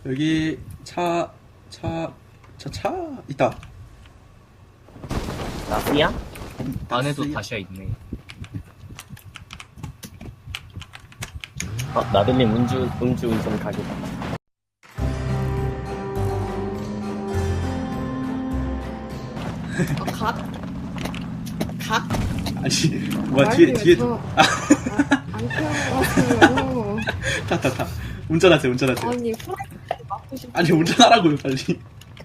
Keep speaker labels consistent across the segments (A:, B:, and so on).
A: 여기 차 있다.
B: 나스야?
C: 안에도
A: 나스야?
C: 다시야 있네.
B: 나들님 음주운전 가게다.
D: 각?
A: 아니 뭐야 뒤에
D: 안 태워가지고.
A: 타 운전하세요.
D: 아니, 프라이팬 맞고 싶어.
A: 아니 운전하라고요 빨리.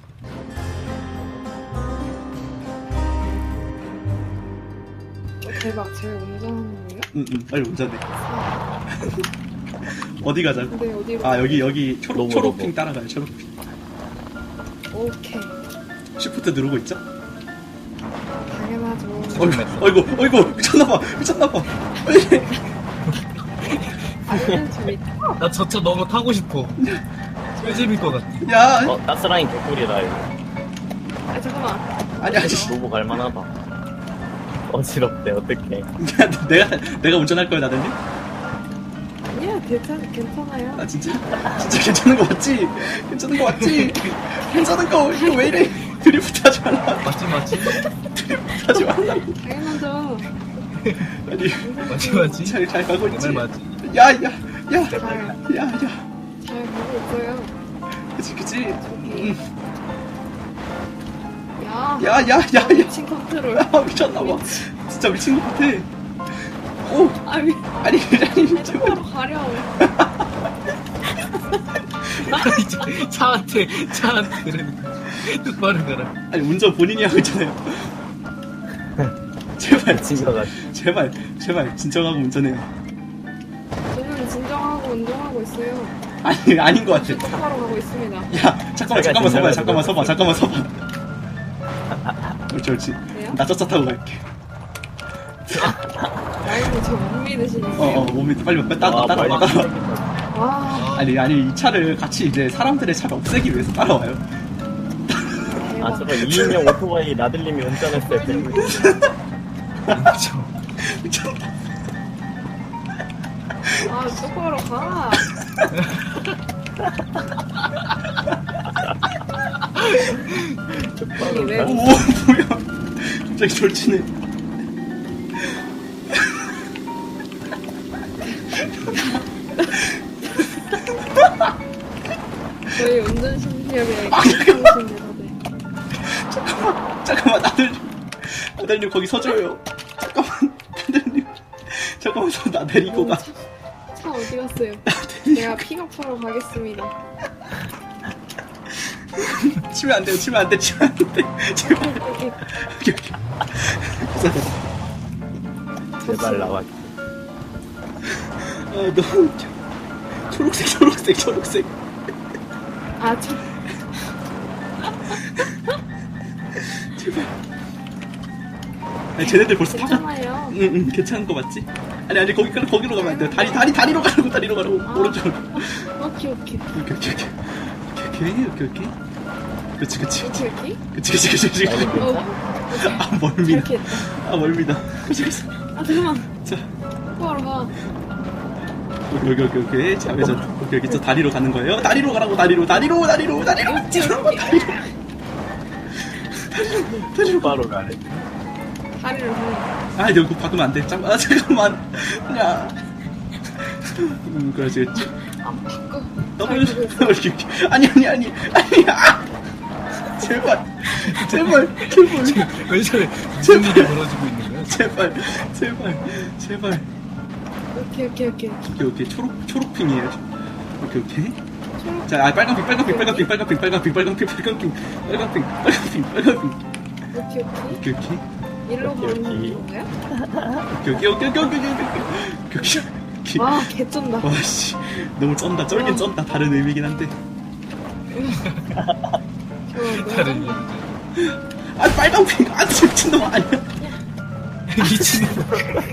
D: 대박, 제가 운전하는 거예요?
A: 응 빨리 운전해.
D: 아,
A: 어디 가자고?
D: 근데 어디로?
A: 아 여기
B: 로보.
A: 초록핑 따라가요. 초록핑.
D: 오케이.
A: 시프트 누르고 있죠?
D: 당연하죠.
A: 어이구 미쳤나봐.
D: 아니면 재밌다.
C: 나 저 차 너무 타고 싶어. 왜 재밌을 것 같아.
A: 야
B: 가스라인 개꿀이다, 이거.
D: 아, 잠깐만.
A: 아니
B: 로보 갈만하다. 어지럽대, 어떡해.
A: 내가 운전할 거야 나들님?
D: 아니야, 괜찮아요.
A: 아 진짜 괜찮은 거 맞지? 괜찮은 거 이거 왜 이래? 드리프트 하지 말라.
C: 맞지?
A: 하지 말라고.
D: 당연하죠.
A: 아니
C: 맞지?
A: 잘 가고
C: 내
A: 있지?
C: 말 맞지?
A: 야야
D: 잘 보고 있어요.
A: 그치
D: 저기. 야.
A: 야야야야
D: 미친 컨트롤.
A: 미쳤나봐. 진짜 미친 것 같아. 오 아니
D: 똑바로 가려.
C: 차한테 그러니까 똑바로 가라.
A: 아니 운전 본인이 하고 있잖아요. 제발 제발 진정하고 운전해요.
D: 저는 진정하고 운동하고 있어요.
A: 아니 아닌 것 같아.
D: 똑바로 가고 있습니다.
A: 야 잠깐만 서봐. 그렇지.
D: 왜요?
A: 나 쩌쩌 타고 갈게.
D: 라이브 저못 믿으시는데요?
A: 몸이 빨리 따라와.
D: 와,
A: 아니 이 차를 같이 이제 사람들의 차를 없애기 위해서 따라와요.
D: 대박.
B: 저거 2인용 오토바이 나들님이 운전했을 때.
A: 미쳤다.
D: 아, 똑바로 가. 아니, 왜?
A: 오 뭐야? 갑자기 졸지네.
D: 저희 운전 실력에
A: 아,
D: 괜찮으신데
A: 잠깐만 나들님 거기 서줘요. 잠깐만 나 데리고 가.
D: 차 어디 갔어요? 내가 픽업하러 가겠습니다.
A: 치면 안 돼. 제발.
D: 여기.
B: 제발 나와.
A: 아 너무 웃겨. 초록색.
D: 아, 저,
A: 제발. 아니 쟤네들 벌써 타고.
D: 괜찮아요.
A: 응 괜찮은 거 맞지? 아니 거기로 가면 안 돼. 다리로 가라고.
D: 아.
A: 오른쪽으로.
D: 오케이.
A: 오케이. 그치. 아 멀미다.
D: 이렇게 했다.
A: 아 멀미다. 그치.
D: 아, 잠깐만.
A: 자
D: 똑바로 가.
A: 오케이. 자 여기서 여기 저 다리로 가는 거예요. 다리로 가라고. 다리로.
B: 바로 가래.
D: 다리를 가.
A: 아 여기 바꾸면 안 돼. 잠깐만. 야. 그렇지.
D: 안 바꿔.
A: 더블.
D: 잘 보고 있어.
A: 아니. 아! 제발.
C: 왜 저래? 무슨 일이 벌어지고 있는 거야?
A: 제발. 오케이. 초록핑이에요. 오케이.
D: 초록.
A: 자, 빨간핑.
D: 오케이. 일로 가는 건가요?
A: 오케이.
D: 와, 개쩐다.
A: 와, 씨. 너무 쩐다. 쩔긴 쩐다. 다른 의미긴 한데.
C: 다른
A: 아, 빨간핑. 아, 미친놈 아니야.
C: 미친놈.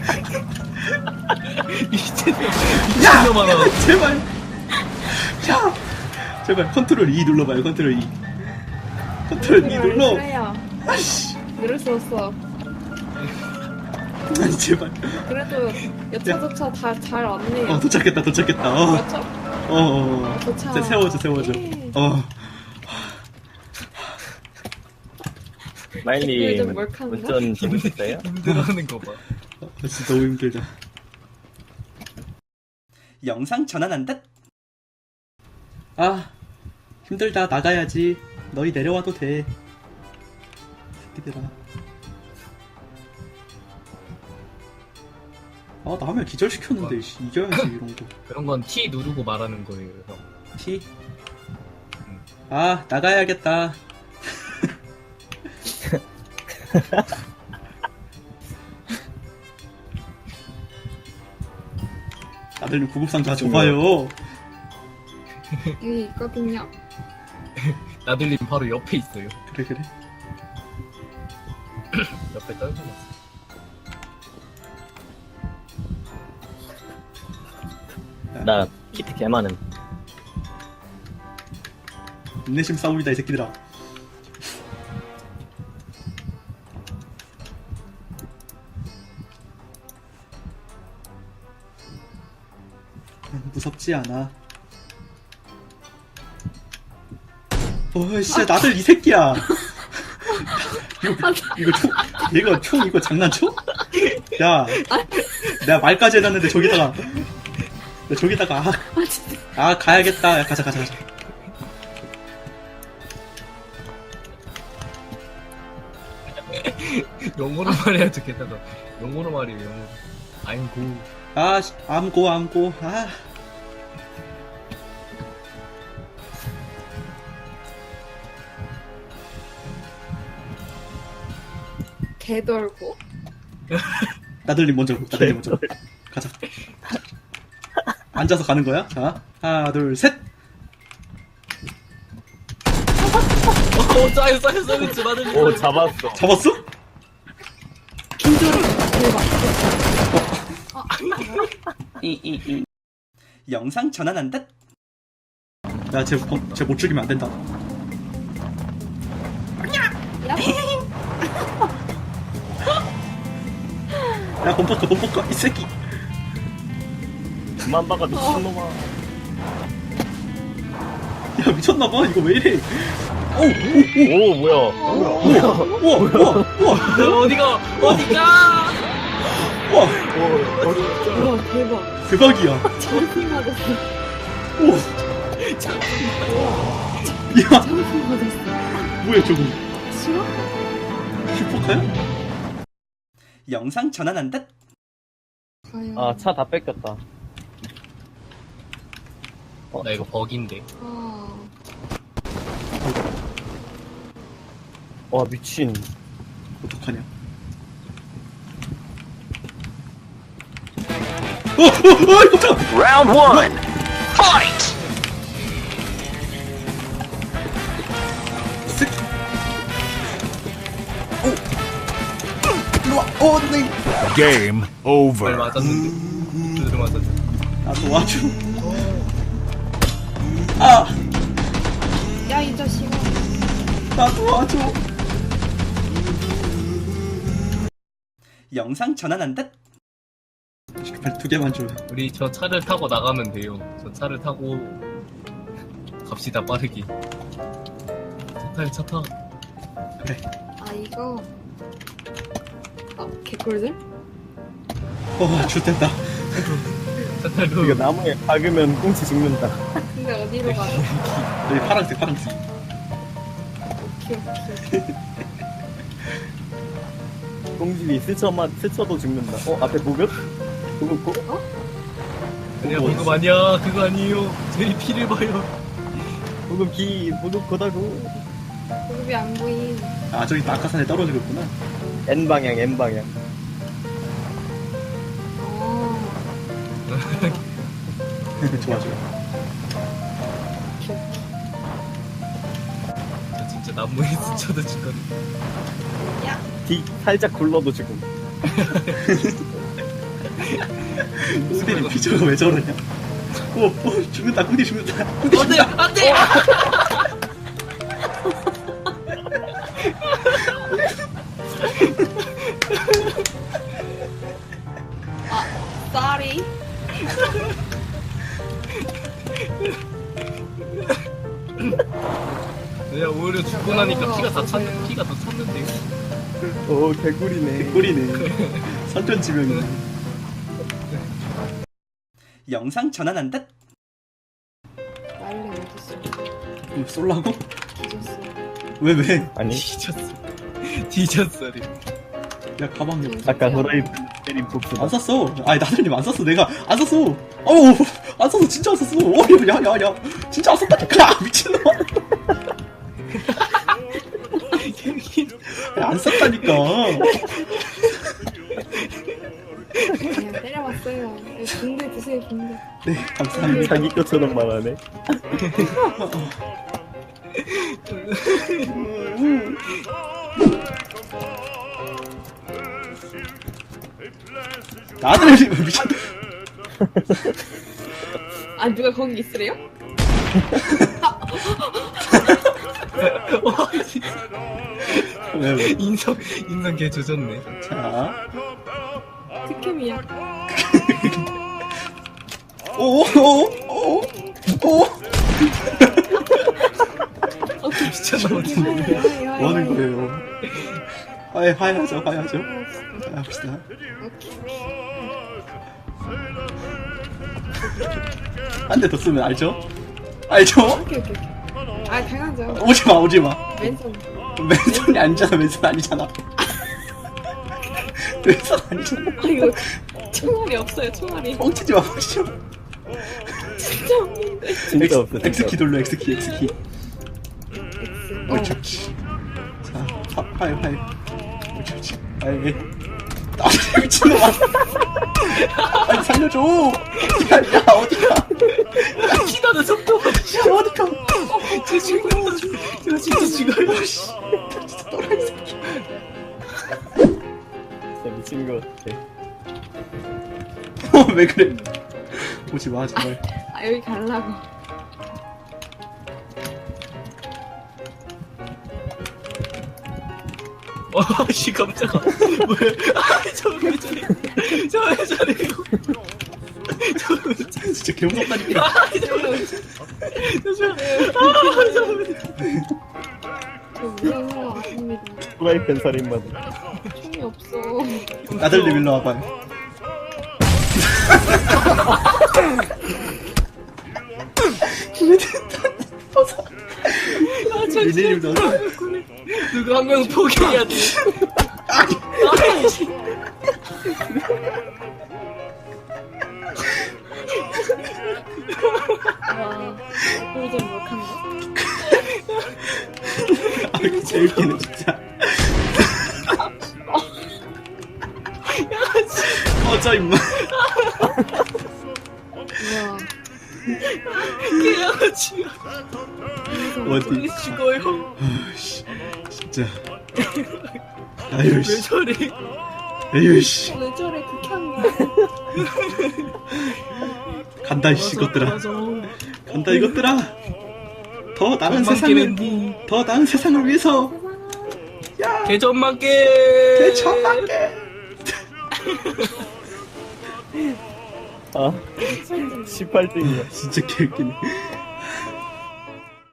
A: 야!
C: 미친놈아.
A: 제발. 야! 제발, 컨트롤 E 눌러봐요, 컨트롤 E. 컨트롤 E 눌러.
D: 그래요.
A: 아씨.
D: 누를 수 없어.
A: 아니, 제발.
D: 그래도 여차저차 다 잘 왔네요.
A: 도착했다.
D: 그렇죠? 좋죠.
A: 이제 세워줘.
D: 예.
B: 마일님
D: 좀 몰카인가?
B: 운전 재밌었어요?
C: 힘들어하는 거 봐.
A: 진짜 너무 힘들다. 영상 전환한 듯? 아, 힘들다. 나가야지. 너희 내려와도 돼. 새끼들아. 아, 남을 기절시켰는데, 씨, 이겨야지, 이런 거.
C: 그런 건 T 누르고 말하는 거예요, 형.
A: T? 아, 나가야겠다. 다들 구급상자 줘봐요.
D: 여기 있거든요.
C: 나들님 바로 옆에 있어요.
A: 그래.
C: 옆에 떨궈놨어.
B: 나 키트 개 많음.
A: 인내심 싸움이다, 이 새끼들아. 무섭지 않아. 진짜 나들 이 새끼야. 이거 총 이거 장난쳐? 야, 내가 말까지 해놨는데 저기다가 가야겠다. 야, 가자.
C: 영어로 말해야지, 게다가. 영어로 말이에요, 영어로. 아이고.
A: 아, 암고. 아.
D: 개돌고.
A: 나들님 먼저. 가자. 앉아서 가는 거야? 자, 하나, 둘, 셋.
C: 쌓여, 나들님.
B: 오 잡았어.
A: 잡았어?
D: 개돌. 대박.
A: 영상 전환한 듯? 야, 쟤 못 죽이면 안 된다. 야, 범퍼커, 이 새끼.
B: 그만 박아 미친놈아.
A: 야, 미쳤나봐. 이거 왜 이래.
B: 오 뭐야.
A: 우와.
C: 어디가?
A: 우와,
D: 우와, 대박.
A: 대박이야.
D: 점프 맞았어.
A: 우와. 야,
D: 점프 맞았어.
A: 뭐야, 저거.
D: 싫어?
A: 슈퍼카야? 영상 전환한 듯?
D: 과연.
B: 아 차 다 뺏겼다.
C: 나 이거 버기인데.
B: 와 미친.
A: 어떡하냐? 깜짝!
E: Round one, fight!
A: 새끼. 일로와. 네.
E: Game
C: 말
E: over.
C: 맞았는데. 두드려 맞았어.
A: 나 도와줘. 아,
D: 야, 이 자식아.
A: 나 도와줘. 영상 전환한 듯? 빨리 2개만 줘.
C: 우리 저 차를 타고 나가면 돼요. 저 차를 타고 갑시다, 빠르게. 차 타.
A: 그래.
D: 아, 이거. 개꿀들?
A: 좋됐다.
C: 차 타고.
B: 이거 나무에 박으면 꽁치 죽는다.
D: 근데 어디로 가요?
A: 여기 파란색.
D: 오케이.
B: 꽁집이 스쳐도 죽는다. 앞에 보급? 보급?
C: 아니야, 그거 아니야. 그거 아니에요. 제 피를 봐요.
B: 보급 거다고.
D: 무릎이 안 보임.
A: 아, 저기 낙하산에 떨어지고 있구나.
B: N방향.
A: 좋아.
C: 저 진짜 나무에 스쳐도 죽거든.
B: 뒤 살짝 굴러도 죽음.
A: 꽁디님 피처가 왜 저러냐? 죽는다. 꽁디 죽는다.
C: 안 돼!
D: Sorry.
C: 죽고 나니까 피가 다 찼는데요.
B: 오, 개꿀이네.
A: 꿀이네. 선전지명이네. 영상 전환한다.
D: 말레 어딨어?
A: 쏠라고?
D: 뒤졌어.
A: 왜?
B: 아니,
C: 뒤졌어.
A: 야 가방이 없어.
B: 아까 호라이 때린 복수다.
A: 안 샀어. 아니 나들님 안 샀어. 내가 안 샀어. 어우 안 샀어. 진짜 안 샀어. 야야야. 진짜 안 샀다니까. 미친놈아. 야, 안 샀다니까.
D: 그냥 때려봤어요. 붕대 드세요, 붕대.
A: 네 감사합니다.
B: 자기 것처럼 말하네.
A: 나들님 미친.
D: 아, 누가 거기 있으래요?
A: 왜?
C: 인성 개 조졌네.
A: 자.
D: 특캠이야.
A: 오오오오.
C: 미쳤나 보지.
A: 뭐 하는 거예요? 화해하죠. 합시다. 한 대 더 쓰면 알죠?
D: 오케이. 아, 당연하죠.
A: 오지마.
D: 왼손.
A: 맨손이 아니잖아. 맨손 아니잖아. 맨손 아니잖아.
D: 아, 이거 총알이 없어요, 총알이.
A: 뻥치지 마. 뻥치지 마.
D: 진짜 없는데.
B: 진짜 없어.
A: X키 돌려. X키.
D: X.
A: 옳지. 자, 화해. 옳지. 화해. 아, 미친놈아. 아니, 살려줘. 야, 어디가.
C: 피나는 속도가.
A: 야, 어디가.
C: 저 죽어요. 저 진짜 죽어요.
A: 진짜 또라이 새끼.
B: 진짜 미친 거 같아.
A: 왜 그래. 오지 마, 제발.
D: 아, 여기 가려고.
C: 씨 깜짝아. 뭐야? 저왜 저래? 저왜 저래?
A: 진짜 개무섭다니까.
D: 저 무서워, 아닙니다.
B: 프라이팬 살인마다.
D: 총이 없어.
A: 나들님 일로 와봐요. 미네님 너
C: 누가 한 명 포기해야 돼.
D: 와, 꿀잼 몰칸가?
A: 아, 제일 웃기네 진짜. 꺼져 임마.
D: 우와.
C: 개야지가
A: 어디?
C: 죽어요.
A: 아씨, 진짜. 아유
C: 왜
A: 씨.
C: 저래?
A: 아유 씨.
D: 왜 저래, 극혐이야.
A: 간다 이씨 이것들아. 간다 이것들아. 더 나은 세상을 위해서. 야.
C: 개전망게.
A: 대천만개.
B: 아, 18등이야.
A: 진짜 개웃기네.